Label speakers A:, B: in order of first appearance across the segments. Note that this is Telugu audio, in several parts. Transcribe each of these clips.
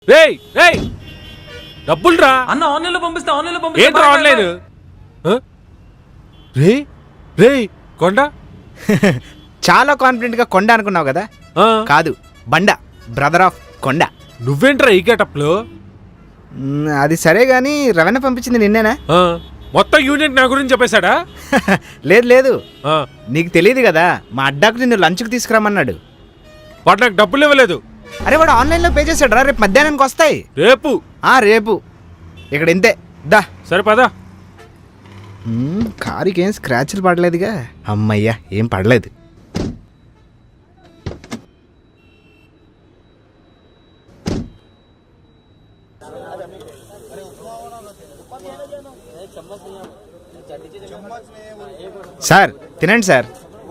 A: రేయ్ రేయ్ డబ్బులు రా
B: అన్న ఆన్లైన్ లో పంపిస్తే
A: ఏంట్రా ఆన్లైన్ రే రే కొండ
C: చాలా కాన్ఫిడెంట్ గా కొండ అనుకున్నావు కదా కాదు బండ బ్రదర్ ఆఫ్ కొండ.
A: నువ్వేంట్రా ఈ గెటప్ లో?
C: అది సరే గాని రవణ పంపించింది నిన్నేనా?
A: మొత్తం యూనిట్ నా గురించి చెప్పేశాడా?
C: లేదు లేదు, నీకు తెలియదు కదా, మా అడ్డాకు నిన్ను లంచ్కి తీసుకురమ్మన్నాడు.
A: వాడు నాకు డబ్బులు ఇవ్వలేదు.
C: అరే వాడు ఆన్లైన్లో పే చేశాడు రా, రేపు మధ్యాహ్నానికి వస్తాయి.
A: రేపు?
C: రేపు. ఇక్కడ ఇంతే దా.
A: సరే పదా.
C: కారుకి ఏం స్క్రాచ్లు పడలేదుగా? అమ్మయ్యా ఏం పడలేదు. సార్ తినండి సార్.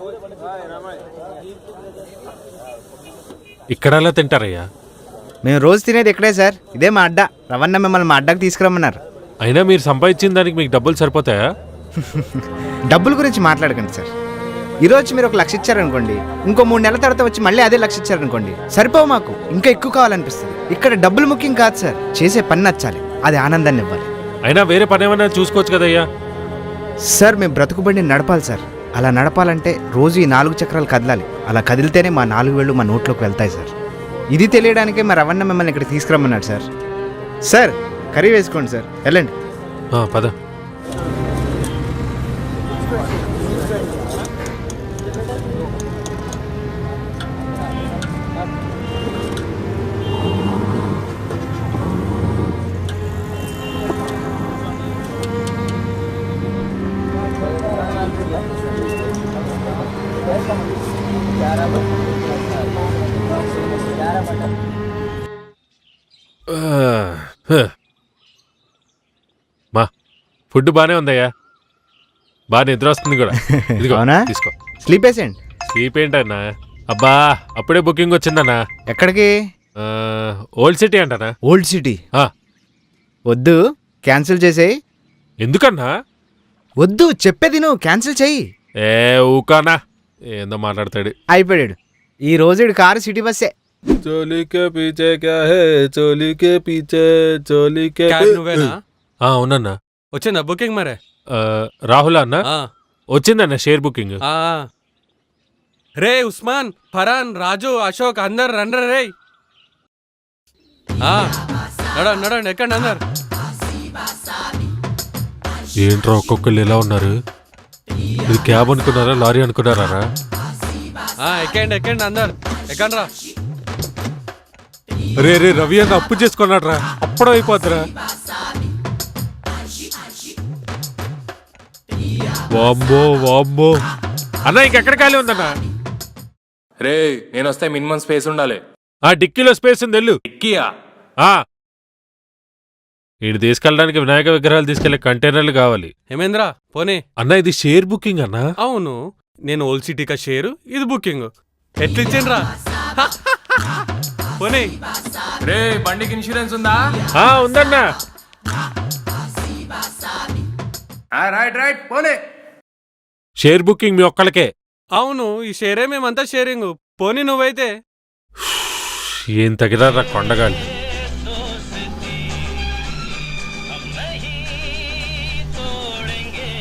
A: ఇక్కడ ఎలా తింటారయ్యా?
C: మేము రోజు తినేది ఇక్కడే సార్, ఇదే మా అడ్డా. రవణ మిమ్మల్ని మా అడ్డాకు తీసుకురమ్మన్నారు.
A: అయినా మీరు సంపాదించిన దానికి మీకు డబ్బులు సరిపోతాయా?
C: డబ్బుల గురించి మాట్లాడకండి సార్. ఈరోజు మీరు 1,00,000 ఇచ్చారనుకోండి, ఇంకో 3 నెలల తర్వాత వచ్చి మళ్ళీ అదే 1,00,000 ఇచ్చారనుకోండి, సరిపోవు. మాకు ఇంకా ఎక్కువ కావాలనిపిస్తుంది. ఇక్కడ డబ్బులు ముఖ్యం కాదు సార్, చేసే పని నచ్చాలి, అది ఆనందాన్ని ఇవ్వాలి.
A: అయినా వేరే పని ఏమైనా చూసుకోవచ్చు కదయ్యా?
C: సార్ మేము బ్రతుకుబండి నడపాలి సార్. అలా నడపాలంటే రోజు ఈ 4 చక్రాలు కదలాలి. అలా కదిలితేనే మా 4 వేళ్ళు మా నోట్లోకి వెళ్తాయి సార్. ఇది తెలియడానికే మా రవణ మిమ్మల్ని ఇక్కడ తీసుకురమ్మన్నాడు సార్. సార్ కర్రీ వేసుకోండి సార్, వెళ్ళండి.
A: పద. మా ఫుడ్ బానే ఉందయ్యా, బాగా నిద్ర వస్తుంది కూడా.
C: అవునా?
A: తీసుకో.
C: స్లీప్ వేసేయండి.
A: స్లీప్ ఏంటన్నా? అబ్బా అప్పుడే బుకింగ్ వచ్చిందన్నా.
C: ఎక్కడికి?
A: ఓల్డ్ సిటీ అంటనా?
C: ఓల్డ్ సిటీ వద్దు, క్యాన్సిల్ చేసేయి.
A: ఎందుకన్నా?
C: వద్దు చెప్పేది నువ్వు, క్యాన్సిల్ చెయ్యి.
A: ఊకానా ఏందో మాట్లాడతాడు.
C: అయిపోయాడు. ఈ రోజు కారు సిటీ బస్సే.
A: చోలీకే పీచే క్యా హే, చోలీకే పీచే చోలీకే.
B: నువ్వేనా?
A: అవునన్నా.
B: వచ్చిందా బుకింగ్ మరే?
A: రాహుల్ అన్న వచ్చిందన్న షేర్ బుకింగ్.
B: రే ఉస్మాన్, ఫరాన్, రాజు, అశోక్ అందరు రండ్ర రే. నడండి ఎక్కండి అందరు.
A: ఏంట్రా ఒక్కొక్కళ్ళు ఎలా ఉన్నారు? ఇది క్యాబ్ అనుకున్నారా లారీ అనుకున్నారా?
B: ఎక్కండి అందరు ఎక్కండి రా.
A: రే రవి అన్న అప్పు చేసుకున్నాడు రా, అప్పుడం అయిపోద్దిరా. వామ్మో వామ్మో అన్న, ఇంకెక్కడ ఖాళీ ఉందన్నా?
D: రే నేను వస్తే మినిమం స్పేస్ ఉండాలి.
A: డిక్కీలో స్పేస్ ఉంది, వెళ్ళు.
D: డిక్కీయా?
A: వీడు తీసుకెళ్ళడానికి వినాయక విగ్రహాలు తీసుకెళ్లే కంటైనర్లు కావాలి.
B: హేమేంద్ర పోనీ.
A: అన్న ఇది షేర్ బుకింగ్ అన్నా.
B: అవును, నేను ఓల్డ్ సిటీకా షేరు, ఇది బుకింగ్. ఎట్లా ఇచ్చిండ్రా? పోనీ.
D: రే బండికి ఇన్సూరెన్స్ ఉందా?
A: ఉందన్నా.
D: రైట్ పోనీ.
A: షేర్ బుకింగ్ మీ ఒక్కళ్ళకే?
B: అవును, ఈ షేరే మేమంతా షేరింగ్. పోనీ నువ్వైతే
A: ఏం తగిలారా కొండగాలి.